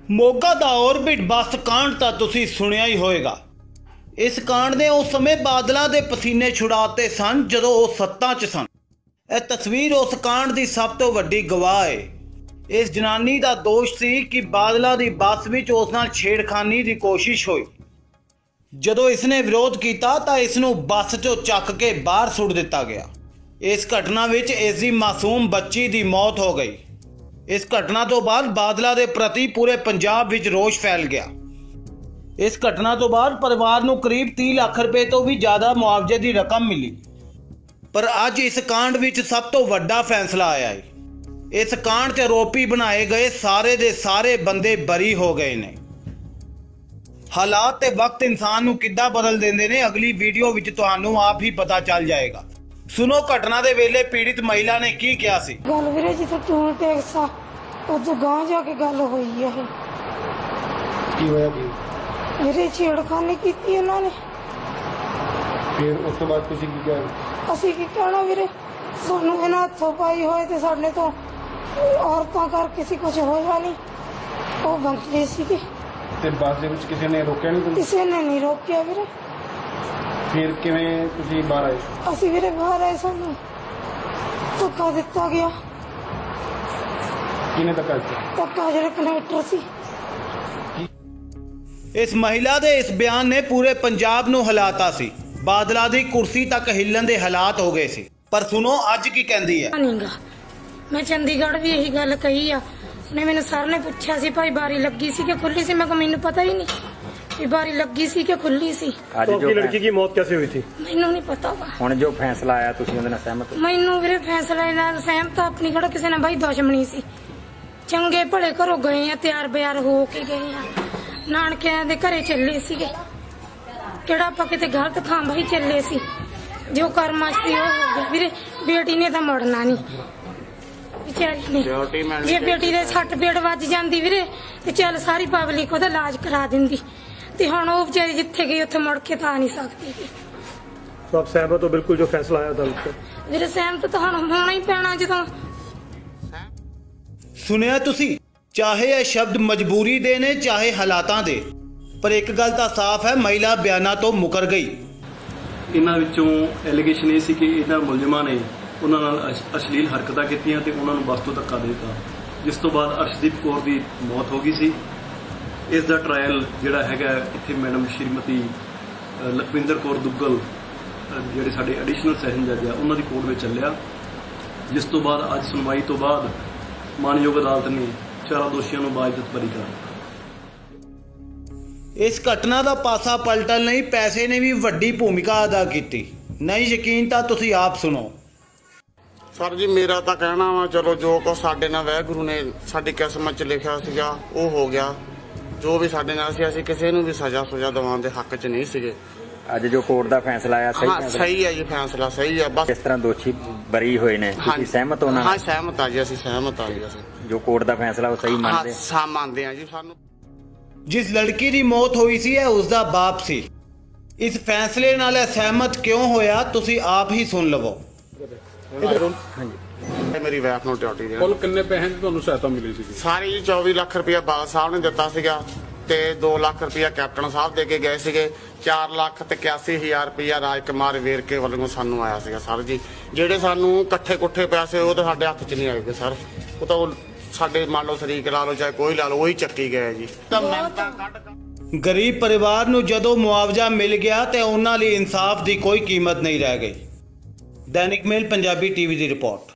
ਮੋਗਾ ਦਾ orbit ਬੱਸ ਕਾਂਡ ਤਾਂ ਤੁਸੀਂ ਸੁਣਿਆ ਹੀ ਹੋਵੇਗਾ। ਇਸ ਕਾਂਡ ਨੇ ਉਸ ਸਮੇਂ ਬਾਦਲਾਂ ਦੇ ਪਸੀਨੇ ਛੁਡਾਤੇ ਸਨ ਜਦੋਂ ਉਹ ਸੱਤਾ 'ਚ ਸਨ। ਇਹ ਤਸਵੀਰ ਉਸ ਕਾਂਡ ਦੀ ਸਭ ਤੋਂ ਵੱਡੀ ਗਵਾਹ ਹੈ। ਇਸ ਜਨਾਨੀ ਦਾ ਦੋਸ਼ ਸੀ ਕਿ ਬਾਦਲਾਂ ਦੀ ਬੱਸ ਵਿੱਚ ਉਸ ਨਾਲ ਛੇੜਖਾਨੀ ਦੀ ਕੋਸ਼ਿਸ਼ ਹੋਈ। ਜਦੋਂ ਇਸਨੇ ਵਿਰੋਧ ਕੀਤਾ ਤਾਂ ਇਸ ਨੂੰ ਬੱਸ 'ਚੋਂ ਚੱਕ ਕੇ ਬਾਹਰ ਸੁੱਟ ਦਿੱਤਾ ਗਿਆ। ਇਸ ਘਟਨਾ ਵਿੱਚ ਇਸ ਦੀ ਮਾਸੂਮ ਬੱਚੀ ਦੀ ਮੌਤ ਹੋ ਗਈ। ਇਸ ਘਟਨਾ ਤੋਂ ਬਾਅਦ ਬਾਦਲਾਂ ਦੇ ਪ੍ਰਤੀ ਪੂਰੇ ਪੰਜਾਬ ਵਿੱਚ ਰੋष ਫੈਲ ਗਿਆ। ਇਸ ਘਟਨਾ ਤੋਂ ਬਾਅਦ ਪਰਿਵਾਰ ਨੂੰ ਕਰੀਬ 30 ਲੱਖ ਰੁਪਏ ਤੋਂ ਵੀ ਜ਼ਿਆਦਾ ਮੁਆਵਜ਼ੇ ਦੀ ਰਕਮ ਮਿਲੀ। ਪਰ ਅੱਜ ਇਸ ਕਾਂਡ ਵਿੱਚ ਸਭ ਤੋਂ ਵੱਡਾ ਫੈਸਲਾ ਆਇਆ ਹੈ। ਇਸ ਕਾਂਡ 'ਚ ਆਰੋਪੀ ਬਣਾਏ ਗਏ ਸਾਰੇ ਦੇ ਸਾਰੇ ਬੰਦੇ ਬਰੀ ਹੋ ਗਏ ਨੇ। ਹਾਲਾਤ ਤੇ ਵਕਤ ਇਨਸਾਨ ਨੂੰ ਕਿੱਦਾਂ ਬਦਲ ਦਿੰਦੇ ਨੇ, ਅਗਲੀ ਵੀਡੀਓ ਵਿੱਚ ਤੁਹਾਨੂੰ ਆਪ ਹੀ ਪਤਾ ਚੱਲ ਜਾਏਗਾ। ਸੁਣੋ ਘਟਨਾ ਦੇ ਵੇਲੇ ਪੀੜਿਤ ਮਹਿਲਾ ਨੇ ਕੀ ਕਿਹਾ ਸੀ। ਗੱਲ ਵੀਰੇ ਜਿੱਥੇ ਟੂਲ ਟੈਕਸ ਆ ਉਦੋਂ ਗਾਂ ਜਾ ਕੇ ਗੱਲ ਹੋਈ ਆ। ਇਹ ਕੀ ਹੋਇਆ ਕੀ ਵੀਰੇ ਛੇੜਖਾਨੀ ਕੀਤੀ ਉਹਨਾਂ ਨੇ। ਫਿਰ ਉਸ ਤੋਂ ਬਾਅਦ ਤੁਸੀਂ ਕੀ ਕਿਹਾ? ਅਸੀਂ ਕੀ ਕਹਿਣਾ ਵੀਰੇ, ਸਾਨੂੰ ਇਹਨਾਂ ਹੱਥੋਂ ਪਾਈ ਹੋਏ ਤੇ ਸਾਡੇ ਤੋਂ ਔਰਤਾਂ ਕਰਕੇ ਸੀ ਕੁਝ ਹੋਇਆ ਨਹੀਂ। ਉਹ ਬੰਦੇ ਸੀਗੇ ਤੇ ਬੱਸ ਦੇ ਵਿੱਚ ਕਿਸੇ ਨੇ ਰੋਕਿਆ ਨਹੀਂ ਤੁਹਾਨੂੰ? ਕਿਸੇ ਨੇ ਨਹੀਂ ਰੋਕਿਆ ਵੀਰੇ। ਫਿਰ ਕਿਵੇਂ ਤੁਸੀਂ ਬਾਹਰ ਆਏ? ਅਸੀਂ ਵੀਰੇ ਬਾਹਰ ਆਏ, ਸਾਨੂੰ ਧੱਕਾ ਦਿੱਤਾ ਗਿਆ। ਕਿਹਨੇ ਧੱਕਾ ਦਿੱਤਾ? ਧੱਕਾ ਜਿਹੜੇ ਕਨੈਕਟਰ ਸੀ। ਇਸ ਮਹਿਲਾ ਦੇ ਇਸ ਬਿਆਨ ਨੇ ਪੂਰੇ ਪੰਜਾਬ ਨੂੰ ਹਿਲਾਤਾ ਸੀ। ਬਾਦਲਾਂ ਦੀ ਕੁਰਸੀ ਤੱਕ ਹਿੱਲਣ ਦੇ ਹਾਲਾਤ ਹੋ ਗਏ ਸੀ। ਪਰ ਸੁਣੋ ਅੱਜ ਕੀ ਕਹਿੰਦੀ ਹੈ। ਮੈਂ ਚੰਡੀਗੜ੍ਹ ਵੀ ਇਹੀ ਗੱਲ ਕਹੀ ਆ। ਨੇ ਮੈਨੂੰ ਸਰ ਨੇ ਪੁੱਛਿਆ ਸੀ ਭਾਈ ਬਾਰੀ ਲੱਗੀ ਸੀ ਕਿ ਖੁੱਲੀ ਸੀ। ਮੈਂ ਕਿਹਾ ਮੈਨੂੰ ਪਤਾ ਹੀ ਨਹੀਂ ਕਿ ਬਾਰੀ ਲੱਗੀ ਸੀ ਕਿ ਖੁੱਲੀ ਸੀ। तो आपकी लड़की की मौत कैसे हुई थी? ਮੈਨੂੰ ਨਹੀਂ ਪਤਾ ਵਾ। ਹੁਣ ਜੋ ਫੈਸਲਾ ਆਇਆ ਤੁਸੀਂ ਉਹਦੇ ਨਾਲ ਸਹਿਮਤ ਹੋ? ਮੈਨੂੰ ਵੀਰੇ ਫੈਸਲੇ ਨਾਲ ਸਹਿਮਤ ਆ। ਆਪਣੀ ਕਿਹੜਾ ਕਿਸੇ ਨਾਲ ਬਾਈ ਦੁਸ਼ਮਣੀ ਸੀ। ਚੰਗੇ ਭਲੇ ਘਰੋਂ ਗਏ ਆ, ਤਿਆਰ ਬਿਆਰ ਹੋ ਕੇ ਗਏ ਆ, ਨਾਨਕਿਆਂ ਦੇ ਘਰੇ ਚੱਲੇ ਸੀਗੇ। ਕਿਹੜਾ ਆਪਾਂ ਕਿਤੇ ਗਲਤ ਥਾਂ ਬਾਈ ਚੱਲੇ ਸੀ। ਜੋ ਕਰਮਾਂ ਸੀ ਉਹ ਹੋ ਗਿਆ ਵੀਰੇ। ਬੇਟੀ ਨੇ ਤਾਂ ਮੁੜਨਾ ਨਹੀਂ ਵਿਚਾਰੀ ਨੇ। ਜੇ ਬੇਟੀ ਦੇ ਸੱਟ ਪੇਟ ਵੱਜ ਜਾਂਦੀ ਵੀਰੇ ਤੇ ਚੱਲ ਸਾਰੀ ਪਬਲਿਕ ਉਹਦਾ ਇਲਾਜ ਕਰਾ ਦਿੰਦੀ। ਤੇ ਹੁਣ ਉਹ ਵਿਚਾਰੀ ਜਿੱਥੇ ਗਈ ਉੱਥੇ ਮੁੜ ਕੇ ਤਾਂ ਆ ਨਹੀਂ ਸਕਦੀ। तो आप सहमत हो बिल्कुल जो फैसला आया अदालत का? ਵੀਰੇ ਸਹਿਮਤ ਤਾਂ ਹੁਣ ਹੋਣਾ ਹੀ ਪੈਣਾ। ਜਦੋਂ ਸੁਣਿਆ ਤੁਸੀਂ, ਚਾਹੇ ਇਹ ਸ਼ਬਦ ਮਜਬੂਰੀ ਦੇ ਨੇ ਚਾਹੇ ਹਾਲਾਤਾਂ ਦੇ, ਪਰ ਇੱਕ ਗੱਲ ਤਾਂ ਸਾਫ਼ ਹੈ, ਮਹਿਲਾ ਬਿਆਨਾਂ ਤੋਂ ਮੁਕਰ ਗਈ। ਇਹਨਾਂ ਵਿੱਚੋਂ ਐਲੀਗੇਸ਼ਨ ਇਹ ਸੀ ਕਿ ਇਹਨਾਂ ਮੁਲਜ਼ਮਾਂ ਨੇ ਉਹਨਾਂ ਨਾਲ ਅਸ਼ਲੀਲ ਹਰਕਤਾਂ ਕੀਤੀਆਂ ਤੇ ਉਹਨਾਂ ਨੂੰ ਬੱਸ ਤੋਂ ਧੱਕਾ ਦੇ ਦਿੱਤਾ, ਜਿਸ ਤੋਂ ਬਾਅਦ ਅਰਸ਼ਦੀਪ ਕੌਰ ਦੀ ਮੌਤ ਹੋ ਗਈ ਸੀ। ਇਸ ਦਾ ਟ੍ਰਾਇਲ ਜਿਹੜਾ ਹੈਗਾ ਇੱਥੇ ਮੈਡਮ ਸ਼੍ਰੀਮਤੀ ਲਖਵਿੰਦਰ ਕੌਰ ਦੁੱਗਲ ਜਿਹੜੇ ਸਾਡੇ ਐਡੀਸ਼ਨਲ ਸੈਸ਼ਨ ਜੱਜ ਆ ਉਹਨਾਂ ਦੀ ਕੋਰਟ ਵਿੱਚ ਚੱਲਿਆ, ਜਿਸ ਤੋਂ ਬਾਅਦ ਅੱਜ ਸੁਣਵਾਈ ਤੋਂ ਬਾਅਦ ਮਾਨਯੋਗ ਅਦਾਲਤ ਨੇ ਚਾਰਾਂ ਦੋਸ਼ੀਆਂ ਨੂੰ ਬਾਇਜ਼ਤ ਬਰੀ ਕਰ ਦਿੱਤਾ। ਇਸ ਘਟਨਾ ਦਾ ਪਾਸਾ ਪਲਟਣ ਲਈ ਪੈਸੇ ਨੇ ਵੀ ਵੱਡੀ ਭੂਮਿਕਾ ਅਦਾ ਕੀਤੀ। ਨਹੀਂ ਯਕੀਨ ਤਾਂ ਤੁਸੀਂ ਆਪ ਸੁਣੋ। ਸਰ ਜੀ ਮੇਰਾ ਤਾਂ ਕਹਿਣਾ ਵਾ, ਚਲੋ ਜੋ ਕੁਛ ਸਾਡੇ ਨਾਲ ਵਾਹਿਗੁਰੂ ਨੇ ਸਾਡੀ ਕਿਸਮਤ 'ਚ ਲਿਖਿਆ ਸੀਗਾ ਉਹ ਹੋ ਗਿਆ। ਜੋ ਵੀ ਸਾਡੇ ਨਾਲ ਸੀ, ਅਸੀਂ ਕਿਸੇ ਨੂੰ ਵੀ ਸਜ਼ਾ ਦਿਵਾਉਣ ਦੇ ਹੱਕ 'ਚ ਨਹੀਂ ਸੀਗੇ। ਅੱਜ ਜੋ ਕੋਰਟ ਦਾ ਫੈਸਲਾ ਆਇਆ ਸਹੀ ਹੈ ਜੀ, ਫੈਸਲਾ ਸਹੀ ਹੈ। ਬਸ ਇਸ ਤਰ੍ਹਾਂ ਦੋਸ਼ੀ ਬਰੀ ਹੋਏ ਨੇ, ਤੁਸੀਂ ਸਹਿਮਤ ਹੋ ਨਾਲ? ਹਾਂ ਸਹਿਮਤ ਆ ਜੀ, ਅਸੀਂ ਸਹਿਮਤ ਆ ਜੀ। ਅਸੀਂ ਜੋ ਕੋਰਟ ਦਾ ਫੈਸਲਾ ਉਹ ਸਹੀ ਮੰਨਦੇ? ਹਾਂ ਮੰਨਦੇ ਆ ਜੀ। ਸਾਨੂੰ ਜਿਸ ਲੜਕੀ ਦੀ ਮੌਤ ਹੋਈ ਸੀ ਇਹ ਉਸ ਦਾ ਬਾਪ ਸੀ। ਇਸ ਫੈਸਲੇ ਨਾਲ ਇਹ ਸਹਿਮਤ ਕਿਉਂ ਹੋਇਆ ਤੁਸੀਂ ਆਪ ਹੀ ਸੁਣ ਲਵੋ। ਮੇਰੀ ਵਾਈਫ ਨੂੰ ਡਿਊਟੀ ਦੇ ਕੁੱਲ ਕਿੰਨੇ ਪੈਸੇ ਦੀ ਤੁਹਾਨੂੰ ਸਹਾਇਤਾ ਮਿਲੀ ਸੀ? ਸਾਰੀ ਜੀ 24 ਲੱਖ ਰੁਪਇਆ ਬਾਲ ਸਾਹਿਬ ਨੇ ਦਿੱਤਾ ਸੀਗਾ ਤੇ 2 ਲੱਖ ਰੁਪਇਆ ਕੈਪਟਨ ਸਾਹਿਬ ਦੇ ਕੇ ਗਏ ਸੀਗੇ। 4 ਲੱਖ ਤੇ 81,000 ਰੁਪਇਆ ਰਾਜ ਕੁਮਾਰ ਵੇਰਕੇ ਵੱਲੋਂ ਸਾਨੂੰ ਆਇਆ ਸੀਗਾ ਸਰ ਜੀ। ਜਿਹੜੇ ਸਾਨੂੰ ਇਕੱਠੇ ਕੁੱਠੇ ਪੈਸੇ ਉਹ ਤਾਂ ਸਾਡੇ ਹੱਥ 'ਚ ਨਹੀਂ ਆਏਗੇ ਸਰ। ਉਹ ਤਾਂ ਸਾਡੇ ਮੰਨ ਲਓ ਸ਼ਰੀਕ ਲਾ ਲਓ ਚਾਹੇ ਕੋਈ ਲਾ ਲਓ, ਉਹੀ ਚੱਕੀ ਗਏ ਜੀ। ਤਾਂ ਮੈਂ ਤਾਂ ਗਰੀਬ ਪਰਿਵਾਰ ਨੂੰ ਜਦੋਂ ਮੁਆਵਜ਼ਾ ਮਿਲ ਗਿਆ ਤੇ ਉਹਨਾਂ ਲਈ ਇਨਸਾਫ ਦੀ ਕੋਈ ਕੀਮਤ ਨਹੀਂ ਰਹਿ ਗਈ। दैनिक मेल पंजाबी टीवी की रिपोर्ट।